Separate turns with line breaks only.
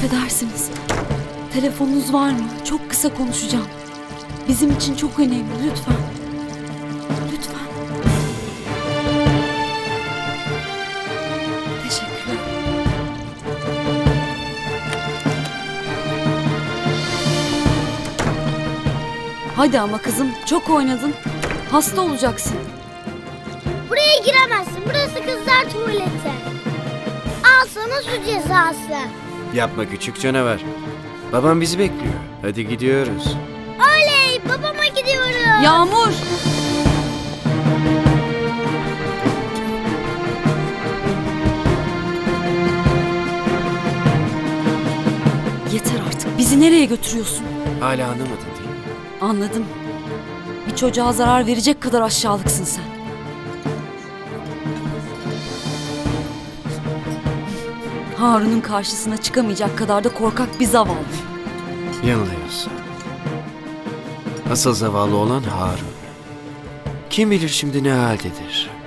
Affedersiniz. Telefonunuz var mı? Çok kısa konuşacağım. Bizim için çok önemli. Lütfen. Lütfen. Teşekkürler. Hadi ama kızım, çok oynadın. Hasta olacaksın.
Buraya giremezsin. Burası kızlar tuvaleti. Al sana su cezası.
Yapma küçük canavar. Babam bizi bekliyor. Hadi gidiyoruz.
Oley! Babama gidiyoruz.
Yağmur! Yeter artık. Bizi nereye götürüyorsun?
Hala anlamadın değil mi?
Anladım. Bir çocuğa zarar verecek kadar aşağılıksın sen. Harun'un karşısına çıkamayacak kadar da korkak bir zavallı.
Yanılıyorsun. Asıl zavallı olan Harun. Kim bilir şimdi ne haldedir.